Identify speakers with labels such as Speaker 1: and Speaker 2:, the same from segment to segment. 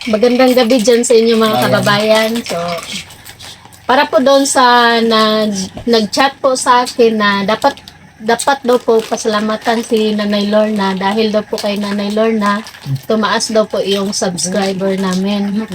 Speaker 1: Magandang gabi dyan sa inyo mga kababayan. So, para po doon sa nag-chat po sa akin na dapat daw po pasalamatan si Nanay Lorna dahil daw po kay Nanay Lorna tumaas daw po yung subscriber namin.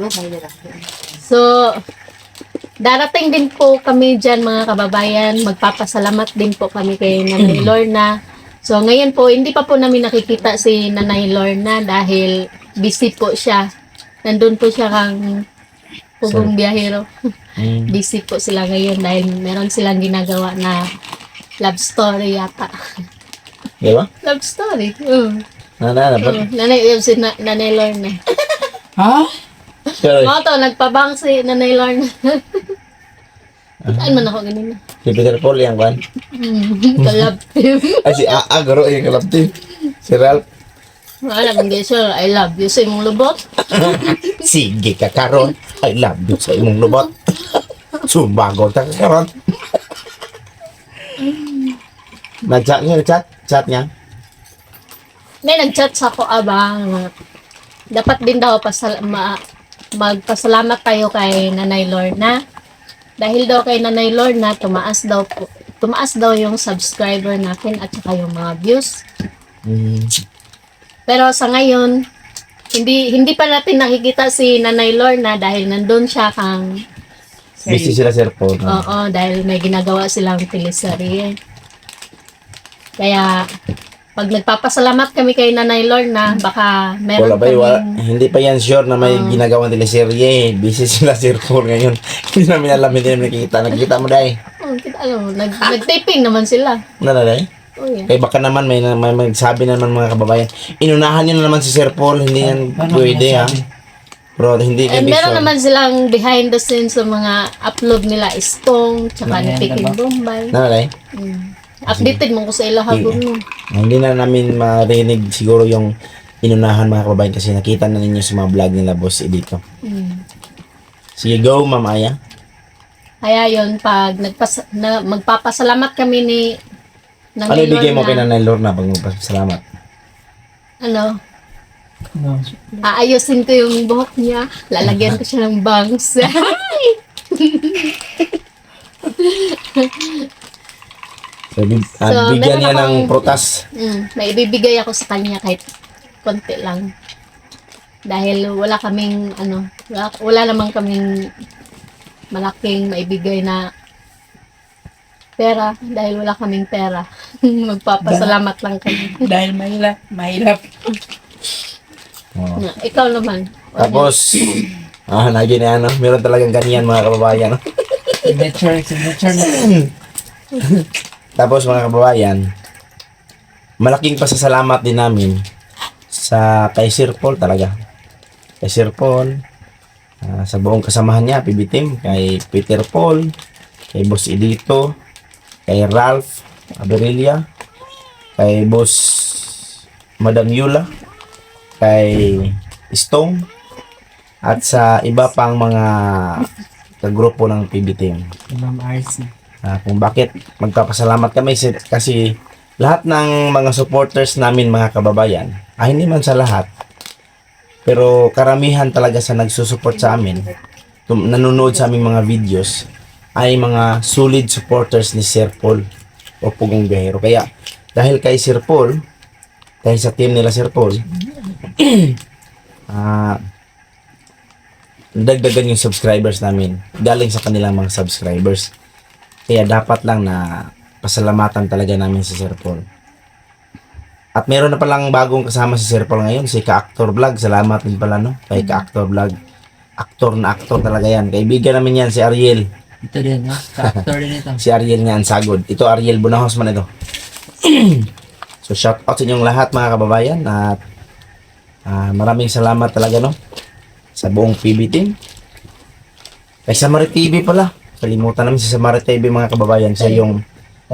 Speaker 1: So, darating din po kami dyan mga kababayan. Magpapasalamat din po kami kay Nanay Lorna. So, ngayon po, hindi pa po namin nakikita si Nanay Lorna dahil busy po siya. Nandun po siya kang Pugong Biyahero. Busy po sila ngayon dahil meron silang ginagawa na love story yata.
Speaker 2: Di ba?
Speaker 1: Love story?
Speaker 2: Dapat.
Speaker 1: Nanay Lorna.
Speaker 3: Ha?
Speaker 2: Pero,
Speaker 1: Mga to, nagpabang si Nanay Lorna. Saan man ako ganun?
Speaker 2: si Peter Paul yung kwan.
Speaker 1: Kalab team.
Speaker 2: Ay, si Aa, garo yung kalapti. Si Ralph.
Speaker 1: Wala mong gesyo, I love you sa imong lubot.
Speaker 2: Sige ka karon. I love you sa imong lubot. Sumbago ta ka karon. Nag-chat niya, chat niya.
Speaker 1: May nag-chat sa ako abang. Dapat din daw magpasalamat tayo kay Nanay Lorna. Dahil daw kay Nanay Lorna, tumaas daw yung subscriber natin at saka yung mga views. Pero sa ngayon, hindi pa natin nakikita si Nanay Lorna dahil nandun siya kang
Speaker 2: Busy sila Sir Paul.
Speaker 1: oo, dahil may ginagawa silang teleserye. Kaya pag nagpapasalamat kami kay Nanay Lorna, baka meron
Speaker 2: Wala ba,
Speaker 1: kaming
Speaker 2: hindi pa yan sure na may ginagawang teleserye. Busy sila Sir Paul ngayon. Hindi namin alam, hindi namin nakikita. Nakikita mo dahil.
Speaker 1: nag-taping naman sila.
Speaker 2: Dahil?
Speaker 1: Oh, yeah.
Speaker 2: Kaya baka naman may magsabi naman mga kababayan, inunahan niyo na naman si Sir Paul, hindi yan pwede ha. Pero hindi
Speaker 1: And
Speaker 2: ibig
Speaker 1: meron
Speaker 2: sure.
Speaker 1: naman silang behind the scenes sa mga upload nila Stong, tsaka ni Peking Bombay.
Speaker 2: Nanay?
Speaker 1: Updated mo ko sa ilahagod mo.
Speaker 2: Hindi na namin marinig siguro yung inunahan mga kababayan kasi nakita na ninyo sa mga vlog nila Boss dito. Sige, go Ma'am Aya.
Speaker 1: Kaya yun, pag magpapasalamat kami ni
Speaker 2: Ano ibigay mo kay Nanay Lorna pag magpasalamat?
Speaker 1: Ano? Aayusin ko yung buhok niya. Lalagyan ko siya ng bangs.
Speaker 2: So,
Speaker 1: So,
Speaker 2: bigyan niya
Speaker 1: meron
Speaker 2: ng prutas.
Speaker 1: May ibibigay ako sa kanya kahit konti lang. Dahil wala kaming, wala namang kaming malaking maibigay na pera. Dahil wala kaming pera. Magpapasalamat lang kami.
Speaker 3: Dahil mahirap.
Speaker 2: Oh.
Speaker 1: Ikaw naman.
Speaker 2: Tapos, lagi na ano, meron talagang ganyan mga kababayan.
Speaker 3: Signature na.
Speaker 2: Tapos mga kababayan, malaking pasasalamat din namin sa kay Sir Paul talaga. Kay Sir Paul, sa buong kasamahan niya, PB Team, kay Peter Paul, kay Boss Edito, kay Ralph Aberilla, kay Boss Madam Yula, kay Stone, at sa iba pang mga kagrupo ng PB Team.
Speaker 3: Ma'am RC.
Speaker 2: Kung bakit magpapasalamat kami kasi lahat ng mga supporters namin mga kababayan, hindi man sa lahat, pero karamihan talaga sa nagsusupport sa amin, nanonood sa aming mga videos, ay mga solid supporters ni Sir Paul o Pugong Biyahero. Kaya dahil kay Sir Paul, dahil sa team nila Sir Paul, dagdagan yung subscribers namin galing sa kanilang mga subscribers. Kaya dapat lang na pasalamatan talaga namin si Sir Paul. At meron na palang bagong kasama si Sir Paul ngayon, si Ka-Actor Vlog. Salamat din pala no, kay Ka-Actor Vlog. Aktor na aktor talaga yan. Kaibigan namin yan, si Ariel.
Speaker 3: Ito din, no? Ka-actor din ito.
Speaker 2: Si Ariel nga ang sagod. Ito Ariel Bunahos man ito. So shout out sa inyong lahat mga kababayan. At maraming salamat talaga no, sa buong PB Team. Kay Samari TV pala. Kalimutan namin si Samari TV mga kababayan. Siya yung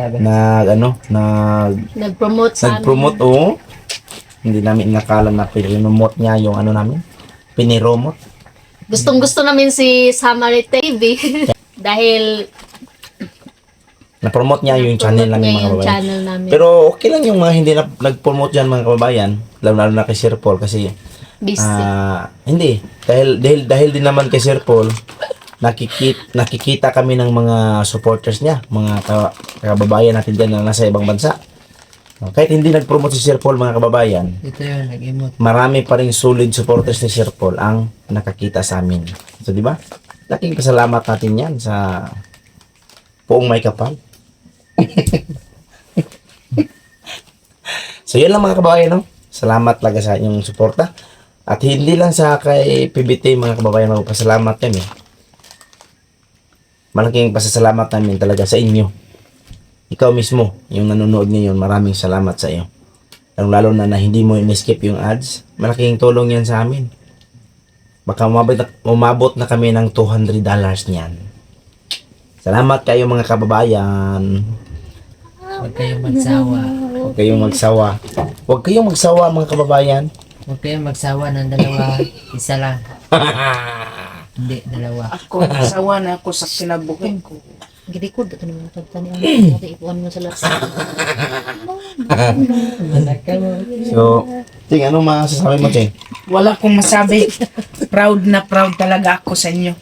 Speaker 1: Nag-promote sa
Speaker 2: nag-promote, oo. Hindi namin nakala na pinomote niya yung namin. Piniromote.
Speaker 1: Gustong-gusto namin si Samari TV. Dahil
Speaker 2: Na-promote niya yung channel namin mga kababayan.
Speaker 1: channel namin.
Speaker 2: Pero okay lang yung mga hindi na nag-promote dyan mga kababayan. Lalo na kay Sir Paul kasi
Speaker 1: Busy.
Speaker 2: Hindi. Dahil din naman kay Sir Paul, nakikita kami ng mga supporters niya, mga kababayan natin dyan na nasa ibang bansa. Kahit hindi nag-promote si Sir Paul, mga kababayan,
Speaker 3: Ito yun, nag-emote.
Speaker 2: marami pa rin solid supporters ni Sir Paul ang nakakita sa amin. So, di ba? Laking pasalamat natin yan sa Poong May Kapal. So, yun lang mga kababayan, no? Salamat talaga sa inyong suporta. At hindi lang sa kay PBT, mga kababayan, magpasalamat kami. Malaking pasasalamat namin talaga sa inyo. Ikaw mismo, yung nanonood ngayon, maraming salamat sa iyo. Lalo na hindi mo in-skip yung ads, malaking tulong yan sa amin. Baka umabot na kami ng $200 niyan. Salamat kayo mga kababayan.
Speaker 3: Huwag kayong magsawa.
Speaker 2: Huwag kayong magsawa. Huwag kayong magsawa mga kababayan.
Speaker 3: Huwag kayong magsawa ng dalawa. Isa lang. Hindi, dalawa.
Speaker 4: Ako, nasawa na ako sa kinabuhi ko.
Speaker 1: Gidi ko, dito naman pagtanian. Natin ipuan mo sa lahat.
Speaker 3: Anak ka mo.
Speaker 2: So, Ting, anong masasabi mo, Ting?
Speaker 4: Wala kong masabi. Proud na proud talaga ako sa inyo.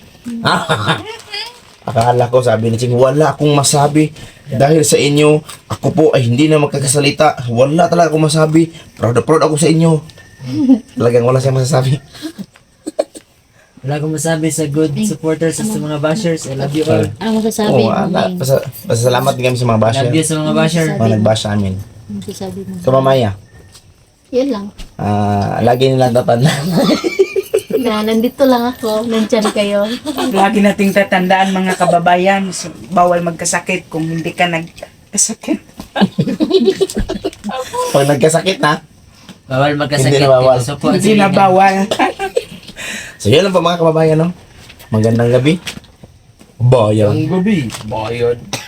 Speaker 2: Akala ko, sabi ni Ting, wala akong masabi. Dahil sa inyo, ako po ay hindi na magkakasalita. Wala talaga akong masabi. Proud na proud ako sa inyo. Talagang wala siyang masasabi.
Speaker 3: Wala akong masabi sa good supporters sa mga bashers. I love you all.
Speaker 1: Ano masasabi
Speaker 2: Oo,
Speaker 1: mo?
Speaker 2: pasalamat din kami sa mga basher.
Speaker 3: Love you sa mga basher.
Speaker 2: Mga nag-bash sa amin.
Speaker 1: Ano masasabi mo?
Speaker 2: So, mamaya,
Speaker 1: Yun lang.
Speaker 2: lagi nilang tatandaan.
Speaker 1: Na, nandito lang ako. Nandyan kayo.
Speaker 4: Lagi nating tatandaan mga kababayan, bawal magkasakit kung hindi ka nagkasakit.
Speaker 2: Pag nagkasakit na,
Speaker 3: Bawal magkasakit.
Speaker 2: Hindi na bawal.
Speaker 3: Supo,
Speaker 4: Hindi na bawal.
Speaker 2: so yun lang po mga kababayan, no? Magandang gabi. Bayan.
Speaker 3: gabi. Bayad.